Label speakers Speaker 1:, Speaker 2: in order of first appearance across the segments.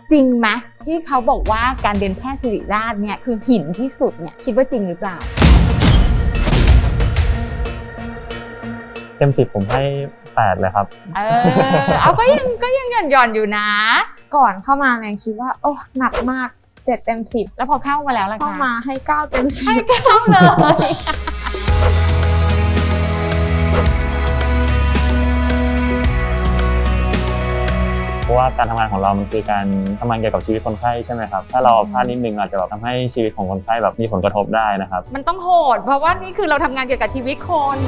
Speaker 1: จริงไหมที่เขาบอกว่าการเรียนแพทย์ศิริราชเนี่ยคือหินที่สุดเนี่ยคิดว่าจริงหรือเปล่า
Speaker 2: เต็ม10ผมให้8เลยครับ
Speaker 1: เอาก็ยังหย่อนอยู่นะ
Speaker 3: ก่อนเข้ามาแนนคิดว่าโอ้หนักมาก7 เต็ม 10
Speaker 1: แล้วพอเข้ามาแล้วล่ะคะ
Speaker 3: เข้ามาให้9 เต็ม 10
Speaker 1: ให้9เลย
Speaker 2: เพราะว่าการทำงานของเรามันคือการทำงานเกี่ยวกับชีวิตคนไข้ใช่ไหมครับถ้าเราพลาดนิดนึงอาจจะแบบทำให้ชีวิตของคนไข้แบบมีผลกระทบได้นะครับ
Speaker 1: มันต้องโหดเพราะว่านี่คือเราทำงานเกี่ยวกับชีวิตคน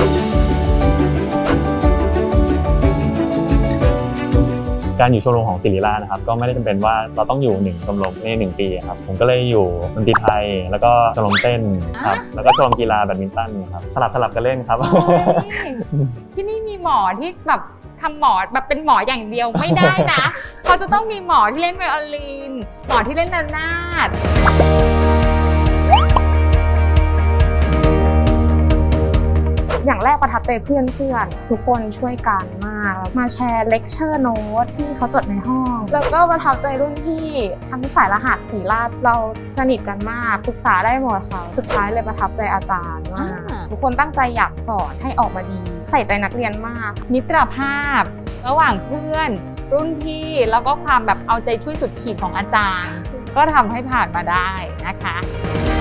Speaker 2: การอยู่ชมรมของศิริราชนะครับก็ไม่ได้จำเป็นว่าเราต้องอยู่1ชมรมใน1 ปีครับผมก็เลยอยู่ดนตรีไทยแล้วก็ชมรมเต้นครับแล้วก็ชมรมกีฬาแบดมินตันครับสลับกันเล่นครับ
Speaker 1: ที่นี่มีหมอที่แบบทำหมอแบบเป็นหมออย่างเดียวไม่ได้นะเขาจะต้องมีหมอที่เล่นไวโอลินหมอที่เล่นระนาด
Speaker 3: อย่างแรกประทับใจเพื่อนทุกคนช่วยกันมากมาแชร์เลคเชอร์โน้ตที่เขาจดในห้องแล้วก็ประทับใจรุ่นพี่ทั้งสายรหัสศิริราชเราสนิทกันมากปรึกษาได้หมดค่ะสุดท้ายเลยประทับใจอาจารย์มากทุกคนตั้งใจอยากสอนให้ออกมาดีใส่ใจนักเรียนมาก
Speaker 1: มิตรภาพระหว่างเพื่อนรุ่นพี่แล้วก็ความแบบเอาใจช่วยสุดขีดของอาจารย์ก็ทำให้ผ่านมาได้นะคะ